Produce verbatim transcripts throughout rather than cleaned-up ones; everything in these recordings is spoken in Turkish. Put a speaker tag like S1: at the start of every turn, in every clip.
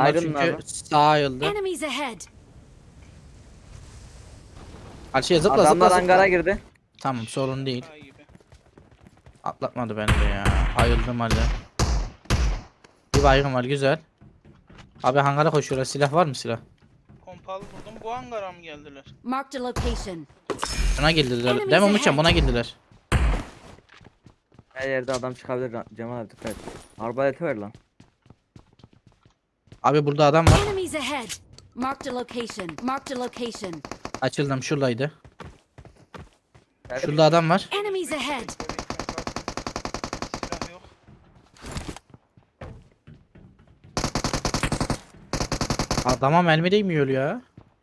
S1: Ayrılın
S2: çünkü
S1: abi.
S2: sağa ayrıldı.
S3: Enemies ahead.
S2: Karşıya zıpla
S1: Adamlar
S2: zıpla zıpla.
S1: hangara girdi.
S2: Tamam sorun değil.
S4: Şaka gibi.
S2: Atlatmadı beni de ya. Ayıldım hadi. Bir baygın var güzel. Abi hangara koşuyorlar. Silah var mı silah?
S4: Pompalı buldum. Bu hangara mı geldiler?
S3: Marked a location.
S2: Buna girdiler.
S3: Enemies
S2: Değil mi Umutcan?
S3: ahead.
S2: Buna girdiler.
S1: Her yerde adam çıkabilir lan. Cemal abi dikkat et. Arbaleti ver lan.
S2: Abi burada adam var.
S3: Enemies ahead. Marked a location. Marked a location.
S2: Açıldım şuradaydı.
S1: Evet.
S2: Şurada adam var.
S3: Enemies ahead.
S4: Bekle, bekle, kalk. Silah yok.
S2: Adama mermi değmiyor ya.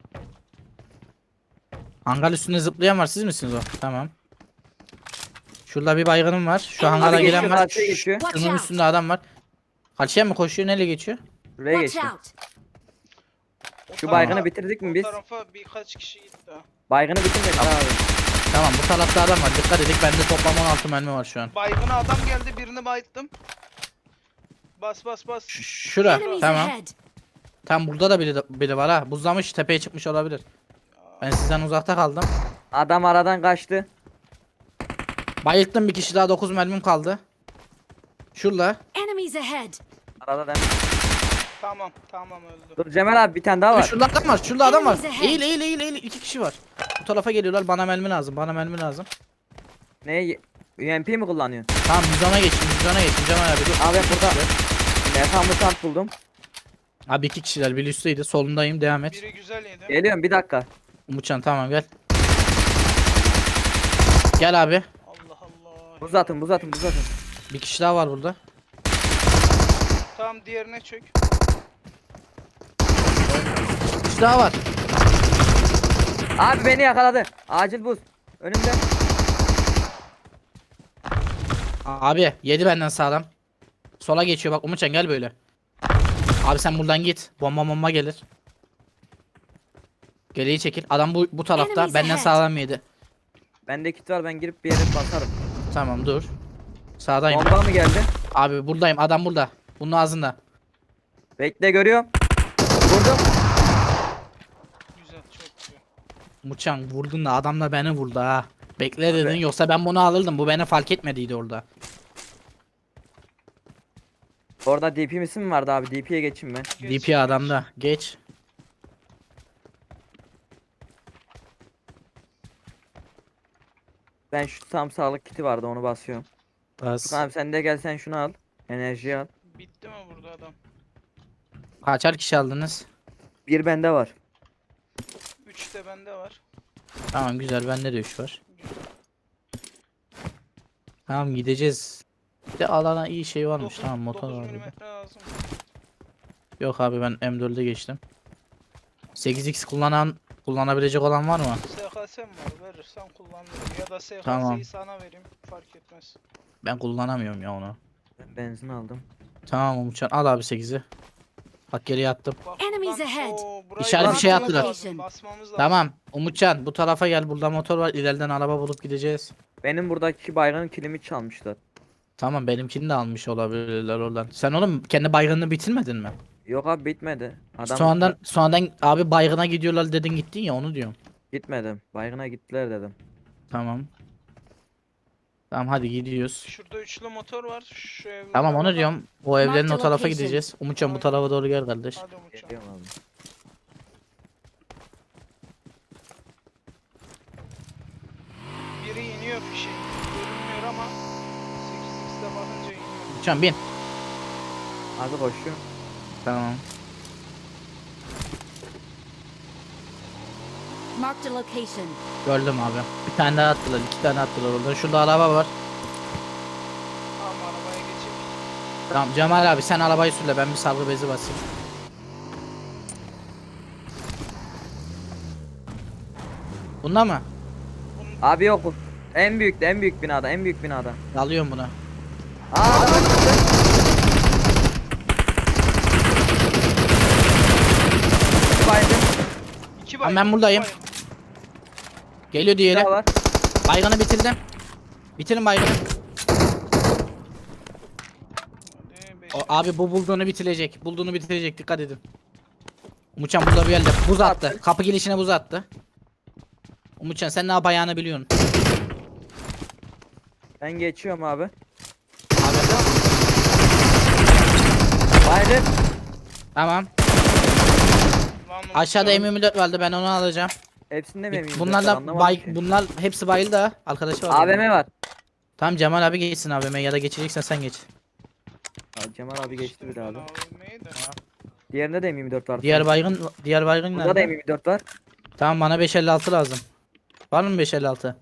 S2: Hangar üstünde zıplayan var. Siz misiniz o? Tamam. Şurada bir baygınım var. Şu hangara
S1: Abi
S2: gelen
S1: geçiyor,
S2: var.
S1: karşıya geçiyor.
S3: Watch
S2: Şunun
S3: out.
S2: üstünde adam var. Karşıya mı koşuyor? Nereye geçiyor?
S1: Şuraya
S3: Watch
S1: geçti.
S3: out.
S4: O
S1: Şu
S4: tarafa-
S1: baygını bitirdik mi
S4: o
S1: biz?
S4: tarafa birkaç kişi gitti ha.
S1: Baygını bitirmedik abi.
S2: Tamam bu tarafta adam var. Dikkat edin. Bende toplam on altı mermi var şu an.
S4: Baygına adam geldi, birini bayıttım. Bas bas bas.
S2: Ş- Şura.
S3: Enemies
S2: Tamam.
S3: ahead.
S2: Tam burada da biri, biri var ha. Buzlamış tepeye çıkmış olabilir. Ben sizden uzakta kaldım.
S1: Adam aradan kaçtı.
S2: Bayılttım bir kişi daha, dokuz mermim kaldı. Şurada.
S3: Enemies ahead.
S1: Arada da.
S4: Tamam tamam öldü.
S1: Dur Cemal abi bir tane daha var.
S2: Şurada adam var. Şurada adam var.
S3: Enemies ahead.
S2: Eğil eğil eğil eğil. İki kişi var. Bu tarafa geliyorlar. Bana mermi lazım. Bana mermi lazım.
S1: Ne? U M P mi kullanıyorsun?
S2: Tamam yüz ona geçin. yüz ona geçin. Cemal abi dur.
S1: Abi burada. Mekan mutant buldum.
S2: Abi iki kişiler. Biri üstteydi. Solundayım. Devam et.
S4: Biri güzel yedi.
S1: Geliyorum bir dakika.
S2: Umutcan tamam gel. Gel abi.
S4: Allah Allah.
S1: Buz atın buz atın buz atın.
S2: Bir kişi daha var burada.
S4: Tamam diğerine çök.
S2: Bir kişi daha var.
S1: Abi beni yakaladı. Acil buz. Önümde.
S2: Abi yedi benden sağlam. Sola geçiyor bak Umutcan gel böyle. Abi sen buradan git. Bomba bomba gelir. Geriye çekil. Adam bu bu tarafta.
S3: Enemies
S2: Benden
S3: ahead.
S2: sağlam yedi.
S1: Bende kit var ben girip bir yere basarım.
S2: Tamam dur. Sağdayım.
S1: Bomba mı geldi?
S2: Abi buradayım. Adam burada. Bunun ağzında.
S1: Bekle görüyorum. Vurdum.
S4: Güzel çok güzel.
S2: Umutcan vurdun da adam da beni vurdu ha. Bekle dedin yoksa ben bunu alırdım. Bu beni fark etmediydi orada.
S1: Orada D P misin mi vardı abi? D P'ye geçeyim ben.
S4: Geç,
S2: D
S4: geç.
S2: P adamda. Geç.
S1: Ben şu tam sağlık kiti vardı onu basıyorum.
S2: Bas.
S1: Furkan abi sen de gel sen şunu al. Enerji al.
S4: Bitti mi burada adam?
S2: Kaçar kişi aldınız?
S1: Bir bende var.
S4: üç de bende var.
S2: Tamam güzel. Bende de üç var. Tamam gideceğiz. Bir de alana iyi şey varmış. Tamam motor var burada.
S4: milimetre lazım.
S2: Yok abi ben M dört'e geçtim. sekiz x kullanan kullanabilecek olan var mı?
S4: S K S mi var? Verirsen kullanırım. Ya da S K S'yi
S2: Tamam.
S4: sana vereyim. Fark etmez.
S2: Ben kullanamıyorum ya onu.
S1: Ben benzin aldım.
S2: Tamam Umutcan al abi sekizi. Bak geriye attım.
S4: Bak,
S3: Enemies
S4: buradan-
S3: ahead.
S4: Oo, burayı
S2: İçeride bir şey
S4: basmamız
S2: attılar.
S4: lazım, Basmamız lazım.
S2: Tamam Umutcan bu tarafa gel, burada motor var, ileriden araba bulup gideceğiz.
S1: Benim buradaki bayrağın kilimi çalmışlar.
S2: Tamam benimkini de almış olabilirler oradan. Sen oğlum kendi baygınını bitirmedin mi?
S1: Yok abi bitmedi. Adam
S2: Sonradan sonradan abi baygına gidiyorlar dedin gittin ya onu diyorum.
S1: gitmedim. Baygına gittiler dedim.
S2: Tamam. Tamam hadi gidiyoruz.
S4: Şurada üçlü motor var. Şu evlere
S2: Tamam onu
S4: bakalım.
S2: diyorum. O evlerin o
S3: Marked
S2: tarafa
S3: location.
S2: gideceğiz. Umutcan bu
S4: Aynen.
S2: tarafa doğru gel kardeş.
S4: Hadi Umutcan.
S1: Geliyorum abi.
S4: Biri iniyor fişe. Görünmüyor ama sekiz x'te bakınca iniyor.
S2: Umutcan bin.
S1: Abi koşuyor.
S2: Tamam.
S3: Marked a location.
S2: Gördüm abi. Bir tane daha attılar, iki tane attılar orada. Şurada araba var.
S4: Tamam arabaya geçip.
S2: Tamam Cemal abi sen arabayı sürle, ben bir sargı bezi basayım. Bunda mı?
S1: Abi yok bu. En büyük en büyük binada en büyük binada.
S2: Alıyorum bunu.
S1: Aa adam çıktı. Baygın.
S4: İki
S2: Tamam,
S4: baygın,
S2: ben
S4: iki
S2: buradayım.
S4: baygın.
S2: Geliyor diğeri.
S1: Daha var.
S2: Baygını bitirdim. Bitirin baygını.
S4: Hadi
S2: O, abi bu bulduğunu bitirecek. Bulduğunu bitirecek. Dikkat edin. Umutcan burada bir yerde buz attı. Kapı girişine buz attı. Umutcan sen ne yapacağını biliyorsun.
S1: Ben geçiyorum abi.
S2: Abi
S1: Baygın.
S2: tamam.
S4: Lan
S2: Aşağıda
S4: Umutcan,
S2: M yirmi dört vardı, ben onu alacağım.
S1: Hepsinde mi eminim?
S2: Bunlar da bay, bunlar hepsi bayıldı ha. Arkadaşı var.
S1: A V M var.
S2: Tamam Cemal abi geçsin A V M ya da geçeceksen sen geç.
S1: Abi Cemal abi geçti bir
S4: ben
S1: abi.
S4: A V M'yi de.
S1: Diğerinde de M yirmi dört var.
S2: Diğer baygın diğer baygın
S1: Burada da
S2: nerede?
S1: M yirmi dört var.
S2: Tamam bana beş elli altı lazım. Var mı beş elli altı?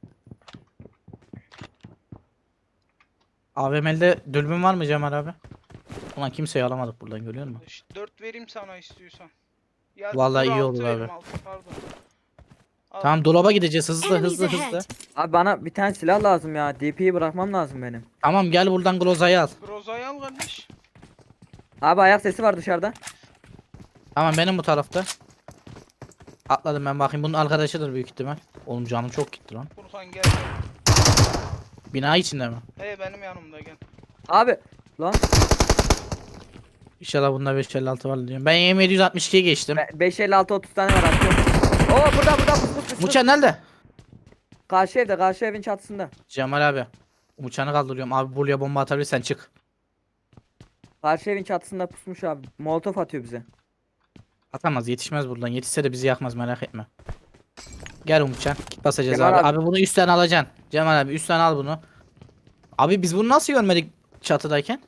S2: A V M'de dürbün var mı Cemal abi? Ulan kimseyi alamadık buradan, görüyor musun?
S4: dört vereyim sana istiyorsan. Ya
S2: Vallahi
S4: dur,
S2: iyi
S4: altı
S2: olur
S4: vereyim,
S2: abi.
S4: altı, pardon. Al.
S2: Tamam dolaba gideceğiz hızlı
S3: Enemies
S2: hızlı hızlı.
S3: ahead.
S1: Abi bana bir tane silah lazım ya. D P'yi bırakmam lazım benim.
S2: Tamam gel buradan Groza'yı al.
S4: Groza'yı al kardeş.
S1: Abi ayak sesi var dışarıda.
S2: Tamam benim bu tarafta. Atladım ben, bakayım bunun arkadaşıdır büyük ihtimal. Oğlum canım çok gitti lan.
S4: Furkan gel.
S2: Bina içinde mi?
S4: Hey benim yanımda gel.
S1: Abi lan
S2: İnşallah bunda beş elli altı var diyorum. Ben M yedi altmış ikiye geçtim.
S1: be- beş elli altı otuz tane var atıyorum. Oo burada burada pus pus pus.
S2: Muçan nerede?
S1: Karşı evde, karşı evin çatısında.
S2: Cemal abi. Muçan'ı kaldırıyorum. Abi buraya bomba atabilirsen çık.
S1: Karşı evin çatısında pusmuş abi. Molotof atıyor bize.
S2: Atamaz, yetişmez buradan. Yetişse de bizi yakmaz, merak etme. Gel Umutcan. Kit basacağız
S1: Cemal
S2: abi.
S1: abi.
S2: abi. bunu üstten alacaksın. Cemal abi üstten al bunu. Abi biz bunu nasıl görmedik çatıdayken?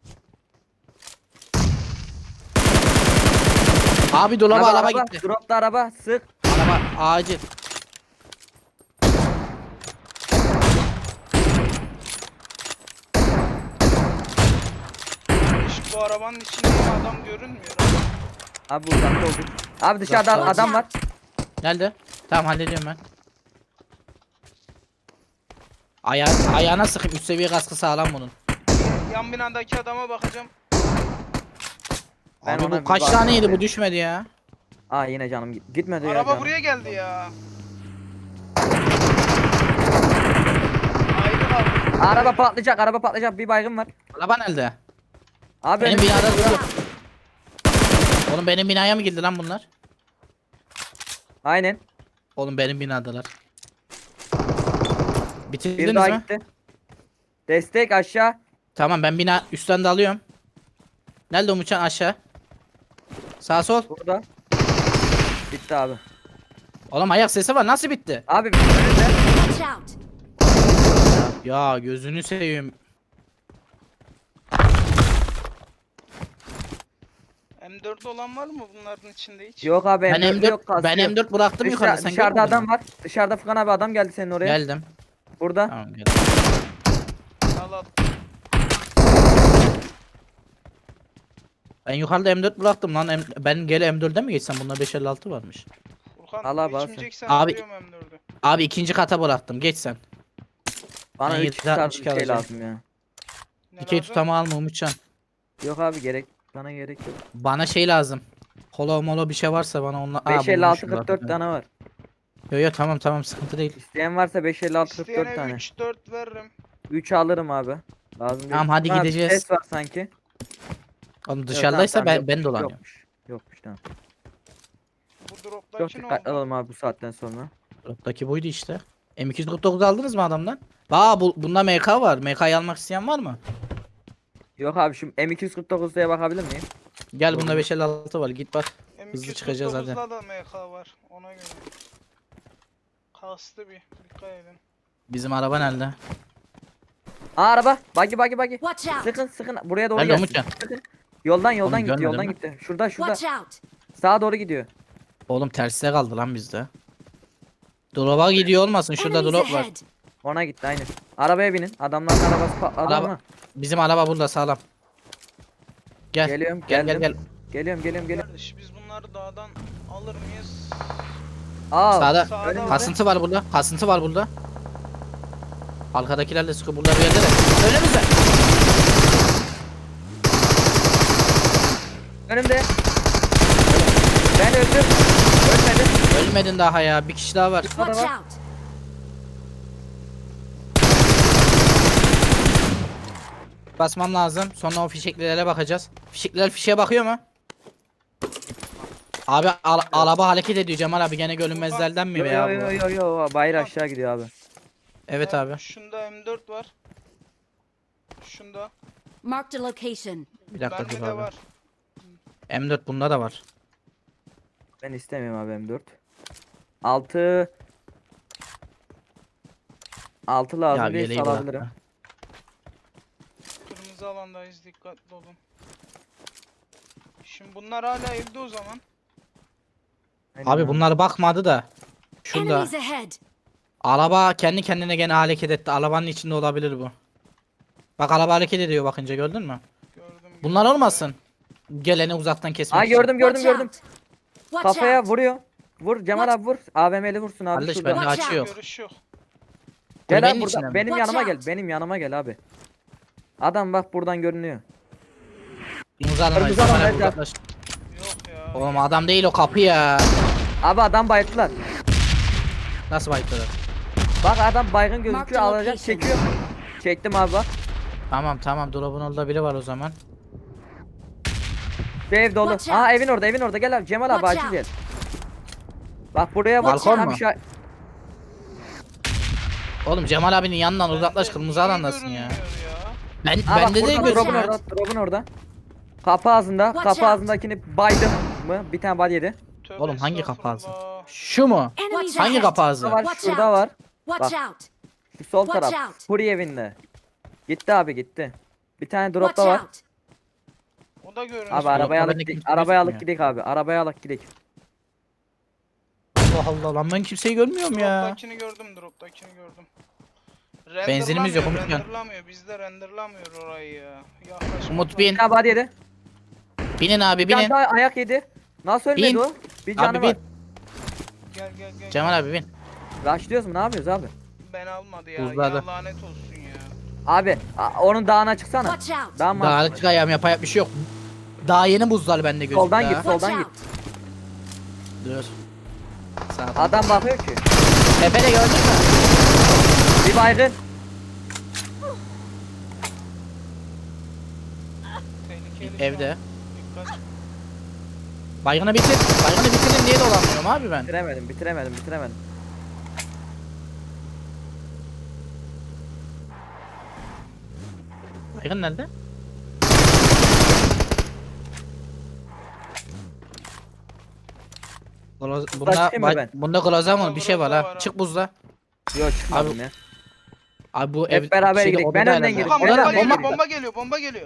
S2: Abi dolaba araba, gitti.
S1: Dropta araba sık.
S2: Araba acil.
S4: İşte bu arabanın içinde adam görünmüyor.
S1: Abi uzakta olduk. Abi dışarıda
S2: Uzakta
S1: adam var.
S2: Nerede? Tamam hallediyorum ben. Aya ayağına sıkayım. Üst seviye kaskı sağlam bunun.
S4: Yan binadaki adama bakacağım.
S1: Ben
S2: Abi
S1: ona
S2: bu
S1: bir
S2: kaç
S1: bakayım
S2: taneydi
S1: bir.
S2: bu, düşmedi ya.
S1: Aa yine canım git- gitmedi ya
S4: Araba
S1: canım.
S4: buraya geldi ya. Ayrı kaldı.
S1: Araba patlayacak, araba patlayacak. Bir baygın var.
S2: Araba nerede?
S1: Abi
S2: Benim
S1: önümüzde
S2: binada
S1: burada.
S2: duruyor. Oğlum benim binaya mı girdi lan bunlar?
S1: Aynen.
S2: Oğlum benim binadalar.
S1: Bir
S2: Bitirdiniz
S1: daha
S2: mi?
S1: gitti. Destek aşağı.
S2: Tamam ben bina üstten de alıyorum. Nerede Umutcan? Aşağı. Sağ sol.
S1: Burada. Bitti abi.
S2: Oğlum ayak sesi var, nasıl bitti?
S1: Abi önünde.
S3: Watch out.
S2: Ya gözünü seveyim.
S4: M dört olan var mı bunların içinde hiç?
S1: Yok abi
S2: Ben
S1: M dört
S2: M dört
S1: yok, kaskı
S2: ben
S1: yok.
S2: M dört bıraktım
S1: Dışa-
S2: yukarıda. Sen
S1: dışarıda
S2: görmedin
S1: adam
S2: mi?
S1: var. Dışarıda Furkan abi adam geldi senin oraya.
S2: Geldim.
S1: Burada.
S2: Tamam geldim.
S4: Al al.
S2: Ben yukarıda M dört bıraktım lan. M- ben gele M dörde mi geçsem? Bunda beş elli altı varmış.
S4: Furkan
S1: Allah bağışlasın.
S4: geçmeyeceksen
S2: Abi-
S4: alıyorum M dördü.
S2: Abi ikinci kata bıraktım. Geç sen.
S1: Bana
S2: Ben
S1: üç
S2: yedi
S1: tarzı bir
S2: altmış iki
S1: şey
S2: alacağım.
S1: lazım ya.
S4: Ne
S2: İkiyi
S4: lazım?
S2: tutama alma Umutcan.
S1: Yok abi gerek. Bana gerek yok.
S2: Bana şey lazım. Holo molo bir şey varsa bana onunla...
S1: beş elli altı kırk dört tane var.
S2: Yo yo tamam tamam, sıkıntı değil.
S1: İsteyen varsa beş elli altı kırk dört
S4: İsteyene
S1: tane.
S4: üç dört veririm.
S1: üç alırım abi. Lazım değil.
S2: Tamam, hadi
S1: Ha,
S2: gideceğiz.
S1: Ses var sanki.
S2: Oğlum
S1: Yok,
S2: dışarıdaysa
S1: tamam,
S2: ben
S1: tamam,
S2: ben
S1: yokmuş,
S2: dolanıyorum.
S1: Yokmuş. Yokmuş tamam.
S4: Bu
S1: Çok
S4: drop'taki ne
S1: dikkatli
S4: oldu?
S1: olalım abi bu saatten sonra.
S2: Drop'taki buydu işte. M iki yüz kırk dokuz aldınız mı adamdan? Aa bu, bunda M K var. M K'yı almak isteyen var mı?
S1: Yok abi şu M iki yüz kırk dokuz'ya bakabilir miyim?
S2: Gel bunda beş elli altı var, git bak.
S4: M
S2: Hızlı
S4: iki yüz kırk
S2: çıkacağız hadi.
S4: dokuzda da M K var ona göre. Kastı bir dikkat edin.
S2: Bizim araba nerede?
S1: Aa araba. Buggy buggy buggy.
S3: Watch out.
S1: Sıkın sıkın buraya doğru
S2: Nerede
S1: gelsin.
S2: Umutcan?
S1: Sıkın. Yoldan yoldan
S2: Oğlum,
S1: gitti
S2: görmedim
S1: yoldan
S2: lan.
S1: gitti. Şurada şurada.
S3: Watch out.
S1: Sağa doğru gidiyor.
S2: Oğlum tersine kaldı lan bizde. Drop'a gidiyor olmasın, şurada
S3: Enemies
S2: drop var.
S3: ahead.
S1: Ona gitti aynen. Arabaya binin. Adamların arabası patladı
S2: Araba-
S1: ama.
S2: Bizim araba burada sağlam. Gel.
S1: Geliyorum
S2: Gel gel
S1: geldim.
S2: gel.
S1: Geliyorum geliyorum geliyorum.
S4: Kardeş biz bunları dağdan alır mıyız?
S1: Aa
S2: Sağda.
S4: Sağda
S1: önümüzde.
S2: Kasıntı var burada. Kasıntı var burada. Arkadakiler de sıkı burada bir yerde de. Önümüzde.
S1: Önümde. Ben öldüm. Ölmedim.
S2: Ölmedin daha ya. Bir kişi daha var.
S3: Watch
S1: var.
S3: out.
S2: Basmam lazım. Sonra o fişeklilere bakacağız. Fişekliler fişeğe bakıyor mu? Abi al araba hareket ediyor Cemal abi, gene görünmezlerden mi
S1: Yo
S2: veya
S1: yo
S2: bu?
S1: yo yo yo bayır aşağı gidiyor abi.
S2: Evet
S4: Ha,
S2: abi.
S4: Şunda M dört var. Şunda.
S3: Marked a location.
S2: Bir dakika
S4: Bende
S2: dur
S4: de
S2: abi.
S4: var.
S2: M dört bunda da var.
S1: Ben istemiyorum abi M dört. altı altı lazım
S2: Ya
S1: değil
S2: yeleği
S1: salabilirim.
S2: bırak.
S4: Kırmızı alandayız, dikkatli olun. Şimdi bunlar hala evde o zaman.
S1: Aynen
S2: Abi bunlar bakmadı da. Şurada.
S3: Enemies ahead.
S2: Araba kendi kendine gene hareket etti. Arabanın içinde olabilir bu. Bak araba hareket ediyor bakınca, gördün mü?
S4: Gördüm.
S2: Bunlar
S4: gördüm.
S2: olmasın. Geleni uzaktan kesmek
S1: Aa
S2: için.
S1: gördüm gördüm
S3: Watch
S1: gördüm.
S3: out. Watch
S1: Kafaya
S3: out.
S1: vuruyor. Vur Cemal
S3: Watch-
S1: abi vur. A V M'li vursun abi
S2: Kardeş
S1: şurada.
S2: bende
S3: Watch
S2: açı
S3: out.
S2: yok.
S4: Görüş yok.
S1: Gel
S2: Kulübenin
S1: abi
S2: içinde
S1: burada
S2: mi?
S1: benim
S3: Watch
S1: yanıma gel.
S3: out.
S1: Benim yanıma gel abi. Adam bak buradan görünüyor.
S2: Kırmızı alan
S1: Kırmızı
S2: açtı.
S1: alan,
S2: Bana
S1: evet,
S2: uzaklaş.
S4: Yok ya.
S2: Oğlum adam değil o, kapı ya.
S1: Abi adam bayılttılar.
S2: Nasıl bayıkladı?
S1: Bak adam baygın
S3: Mark the
S1: gözüküyor alacak
S3: location.
S1: çekiyor. Çektim abi bak.
S2: Tamam tamam, drop'un orada biri var o zaman.
S1: Bir ev dolu.
S3: Watch
S1: Aa
S3: out.
S1: evin orada evin orada gel abi Cemal abi
S3: Watch
S1: acil
S3: out.
S1: gel. Bak buraya bak.
S2: Balkon
S1: Tam
S2: mu?
S1: işa-
S2: Oğlum Cemal abinin yanından uzaklaş,
S4: Bende
S2: kırmızı
S4: niye
S2: alandasın ya.
S4: görünmüyor ya?
S2: Ben
S1: Aa, bak
S2: bende de
S1: burada, drop'un
S2: gözükmüyor.
S1: orada, drop'un orada. Kapı ağzında,
S3: Watch
S1: kapı
S3: out.
S1: ağzındakini baydım mı? Bir tane body yedi.
S4: Tövbe
S2: Oğlum hangi kapı
S4: estağfurullah.
S2: Şu mu?
S3: Enemies
S2: Hangi
S3: ahead.
S2: kapı
S1: Şurada
S2: ağzı?
S1: var,
S3: Watch
S1: şurada
S3: out.
S1: var.
S3: Watch
S1: Bak.
S3: out.
S1: Şu sol
S3: Watch
S1: taraf.
S3: out.
S1: Furi evinde. Gitti abi gitti. Bir tane
S3: Watch
S1: drop da var.
S3: out.
S4: O da görünüyor.
S1: Abi arabaya
S2: Drop'ta
S1: alıp
S2: bende
S1: gidik.
S2: kimse
S1: Arabaya alıp
S2: gözükmüyor.
S1: gidik abi. Arabaya alıp gidik.
S2: Allah Allah lan, ben kimseyi görmüyorum ya.
S4: Drop'takini gördüm, drop'takini gördüm.
S2: Benzinimiz yok,
S4: Renderlamıyor,
S2: Umutcan.
S4: renderlamıyor. Bizde renderlamıyor orayı ya. Yaklaşmak
S2: Umut
S4: lazım.
S2: bin.
S1: Bir tane body yedi.
S2: Binin abi
S1: Bir tane
S2: binin.
S1: daha ayak yedi. Nasıl ölmedi
S2: Bin.
S1: o? Bir canı
S2: Abi
S1: var.
S2: bin.
S4: Gel gel gel.
S2: Cemal abi bin.
S1: Rushlıyoruz mu? Ne yapıyoruz abi?
S4: Ben almadı ya.
S2: Buzladı.
S4: Ya lanet olsun ya.
S1: Abi a- onun dağına çıksana.
S3: Watch out.
S1: Dağ mı?
S2: Daha çık ayağım, yapacak bir şey yok. Daha yeni buzlar bende gözüküyor.
S1: Soldan
S2: ha.
S1: git.
S3: Watch
S1: Soldan git.
S3: out.
S2: Dur. Sağ ol.
S1: Adam bakıyor ki.
S2: Tepede gördün mü?
S1: Bir baygın.
S4: Tehlikeli şu
S2: Evde.
S4: an. Dikkat.
S2: Baygını bitir. Baygını bitirin diye dolanmıyorum abi ben.
S1: Bitiremedim, bitiremedim, bitiremedim.
S2: Baygın nerede? Gloz, bunda,
S1: çıkayım mı
S2: ba-
S1: ben?
S2: bunda glazamon
S4: Bunda
S2: bir şey var
S4: gloza
S2: ha.
S4: var ha.
S2: Çık buzda.
S1: Yok çıkmadım
S2: Abi,
S1: ya.
S2: Abi bu
S1: Hep
S2: ev
S1: beraber
S2: şeyde,
S1: gidelim. Ben
S2: odada
S1: önden
S2: herhalde.
S1: gireyim.
S4: Okan
S1: Ben
S4: bomba
S1: önden
S4: geliyor,
S1: gireyim.
S4: bomba geliyor, bomba geliyor.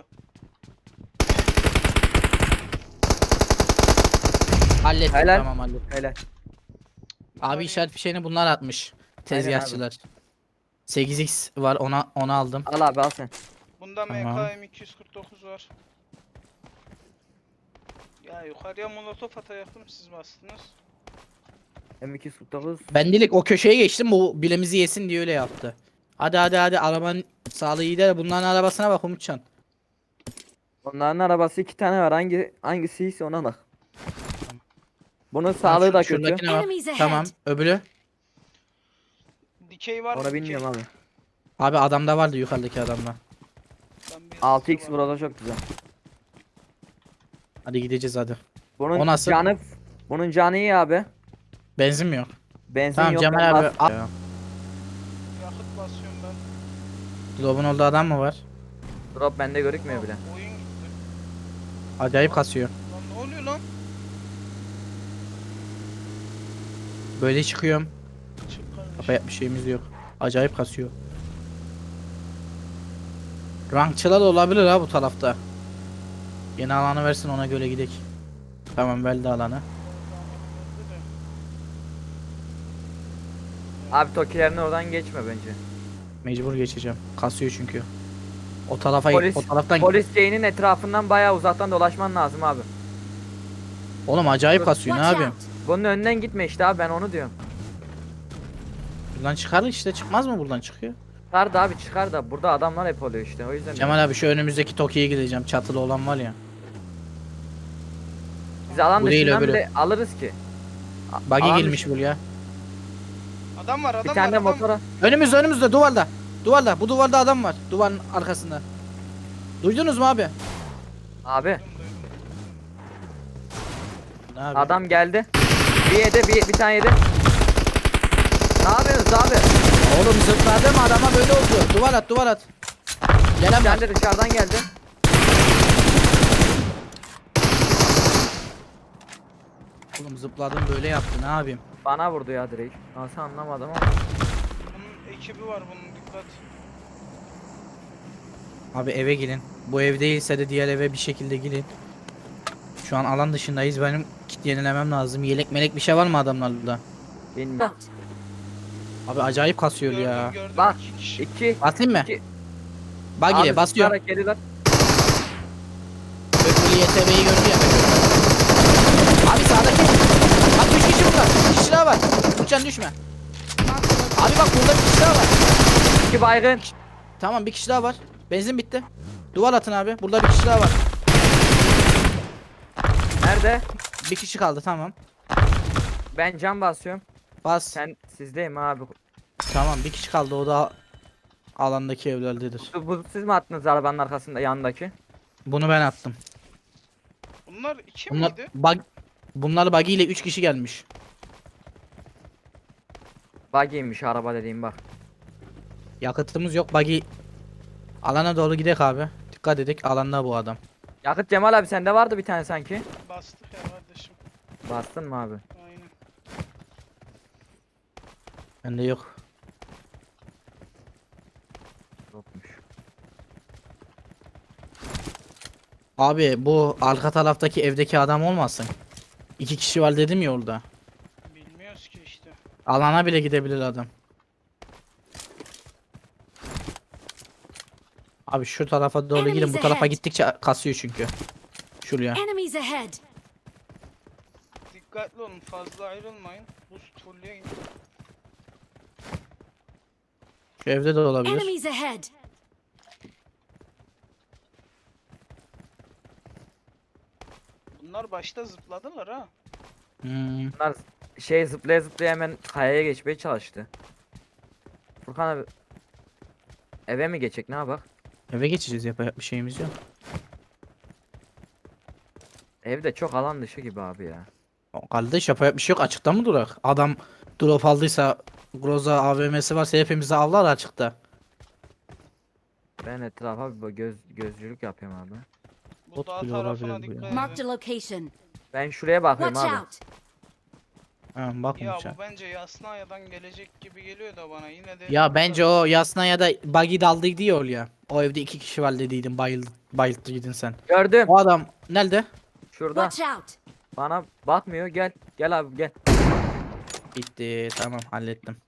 S2: Hallettim,
S1: Helal.
S2: tamam hallettim.
S1: Öyle.
S2: Abi işaret fişeğini bunlar atmış. Tezgahçılar. sekiz x var, ona onu aldım.
S1: Al abi al sen.
S4: Bunda
S2: Tamam.
S4: M K M iki yüz kırk dokuz var. Ya yukarıya molotof atacaktım, siz bastınız.
S1: M iki yüz kırk dokuz.
S2: Ben direkt o köşeye geçtim, bu bilemizi yesin diye öyle yaptı. Hadi hadi hadi, arabanın sağlığı iyi de bunların arabasına bak Umutcan.
S1: Onların arabası iki tane var. Hangi hangisi ise ona bak. Bunun
S2: Ha,
S1: sağlığı
S2: şu-
S1: da kötü.
S2: şuradakine bak.
S3: Enemies ahead.
S2: Tamam, öbürü.
S4: Dikey var mı?
S1: Onu
S4: Dikey?
S1: bilmiyorum abi.
S2: Abi adamda vardı, yukarıdaki adamda.
S4: Ben bir
S1: altı x
S4: var.
S1: burada çok güzel.
S2: Hadi gideceğiz hadi.
S1: Bunun
S2: O nasıl?
S1: canı bunun canı iyi abi.
S2: Benzin mi yok?
S1: Benzin
S2: Tamam
S1: yok.
S2: Cemal
S1: ben
S2: abi.
S1: bas-
S2: al.
S4: Yakıt basıyorum ben.
S2: Drop'un orada adam mı var?
S1: Drop bende görükmüyor bile.
S4: Aa, oyun gitti.
S2: Acayip kasıyor.
S4: Lan ne oluyor lan?
S2: Böyle çıkıyorum.
S4: Çık kardeşim.
S2: Yapacak bir şeyimiz yok. Acayip kasıyor. Rankçılar olabilir ha bu tarafta. Yeni alanı versin, ona göre gidek. Tamam, verdi alanı.
S1: Abi Tokilerin oradan geçme bence.
S2: Mecbur geçeceğim. Kasıyor çünkü. O tarafa
S1: Polis,
S2: o taraftan
S1: polis şeyinin etrafından bayağı uzaktan dolaşman lazım abi.
S2: Oğlum acayip kasıyor, ne
S3: Watch
S2: yapayım?
S3: out.
S1: Bunun önünden gitme işte abi ben onu diyorum.
S2: Buradan çıkar işte, çıkmaz mı buradan çıkıyor?
S1: Çıkar da abi çıkar da burada adamlar hep oluyor işte o yüzden. diyorum.
S2: Cemal abi şu önümüzdeki Toki'ye gideceğim, çatılı olan var ya.
S1: Biz alan
S2: Bu değil,
S1: dışından
S2: öbürü.
S1: bile alırız ki. A-
S2: Buggy
S1: alan
S2: gelmiş buraya.
S4: Adam var, adam
S1: Bir
S4: var,
S1: tane de
S4: adam.
S1: motora.
S2: Önümüzde önümüzde duvarda. Duvarda, bu duvarda adam var. Duvarın arkasında. Duydunuz mu abi?
S1: Abi
S4: Duydum, duydum.
S2: Ne abi?
S1: adam geldi. Bir yedi bir, bir tane yedi. Ne yapıyorsunuz abi?
S2: Oğlum zıpladım adama böyle oldu. Duvar at duvar at. Gelen
S1: Bir
S2: var.
S1: tane de dışarıdan geldi.
S2: Oğlum zıpladım böyle yaptı ne yapayım?
S1: Bana vurdu ya direkt. Nasıl anlamadım ama.
S4: Bunun ekibi var, bunun dikkat.
S2: Abi eve gelin. Bu ev değilse de diğer eve bir şekilde gelin. Şu an alan dışındayız. Benim kit yenilemem lazım. Yelek melek bir şey var mı adamlarda?
S1: Bilmiyorum.
S3: Out.
S2: Abi acayip kasıyor
S4: Gördüm,
S2: ya.
S4: gördüm.
S1: Bak,
S4: iki kişi.
S1: İki.
S2: Basayım mı?
S1: İki.
S2: Bagiye
S1: Abi
S2: basıyorum.
S1: zıplayarak geliyorlar.
S2: Öbürü Y T B'yi gördü ya. Abi sağdaki. Bak üç kişi burada. Bir kişi daha var. Uçan düşme.
S3: Marked a location.
S2: Abi bak burada bir kişi daha var.
S1: İki baygın.
S2: Tamam bir kişi daha var. Benzin bitti. Duvar atın abi. Burada bir kişi daha var.
S1: Nerede?
S2: Bir kişi kaldı tamam.
S1: Ben cam basıyorum.
S2: Bas.
S1: Sen sizdeyim abi.
S2: Tamam bir kişi kaldı o da alandaki evlerdedir.
S1: Bu, bu siz mi attınız arabanın arkasında yanındaki?
S2: Bunu ben attım.
S4: Bunlar iki
S2: Bunlar
S4: miydi?
S2: bug Bunlar buggy ile üç kişi gelmiş.
S1: Buggy'ymiş araba dediğim bak.
S2: Yakıtımız yok buggy. Alana doğru gidek abi. Dikkat edik alanda bu adam.
S1: Yakıt Cemal abi sende vardı bir tane sanki.
S4: Bastık ya kardeşim.
S1: Bastın mı abi?
S4: Aynen.
S2: Bende yok.
S1: Yokmuş.
S2: Abi bu arka taraftaki evdeki adam olmasın. İki kişi var dedim ya orada.
S4: Bilmiyoruz ki işte.
S2: Alana bile gidebilir adam. Abi şu tarafa doğru gidin. Bu tarafa gittikçe kasıyor çünkü. Şuraya.
S3: Enemies ahead.
S4: Dikkatli olun, fazla ayrılmayın. Boost fullleyin.
S2: Şu evde de olabilir.
S3: Enemies ahead.
S4: Bunlar başta zıpladılar ha.
S2: Hmm.
S1: Bunlar şey zıplaya zıplaya hemen kayaya geçmeye çalıştı. Furkan abi eve mi geçecek ne yapak?
S2: Eve geçeceğiz yapacak bir şeyimiz yok.
S1: Evde çok alan dışı gibi abi ya.
S2: O Kardeş yapacak bir şey yok açıkta mı durak? Adam drop aldıysa Groza A V M'si varsa hepimizi avlar açıkta.
S1: Ben etrafa bir bak- göz gözcülük yapıyorum abi.
S4: Bu
S2: Bot
S4: dağ
S2: bile
S4: tarafına
S2: olabilir bu
S4: dikkat
S2: ya.
S4: edin.
S3: Marked a location.
S1: Ben şuraya bakıyorum
S3: Watch
S1: abi.
S3: out.
S2: Ha, bak
S4: Ya
S2: uçağa.
S4: bu bence Yasnaya'dan gelecek gibi geliyor da bana yine de.
S2: Ya bence o Yasna ya da Buggy daldıydı ya oraya. O evde iki kişi var dediydin bayıldı, bayılttıydın sen.
S1: Gördüm.
S2: O adam nerede?
S1: Şurada.
S3: Watch out.
S1: Bana bakmıyor. Gel. Gel abi gel.
S2: Bitti tamam hallettim.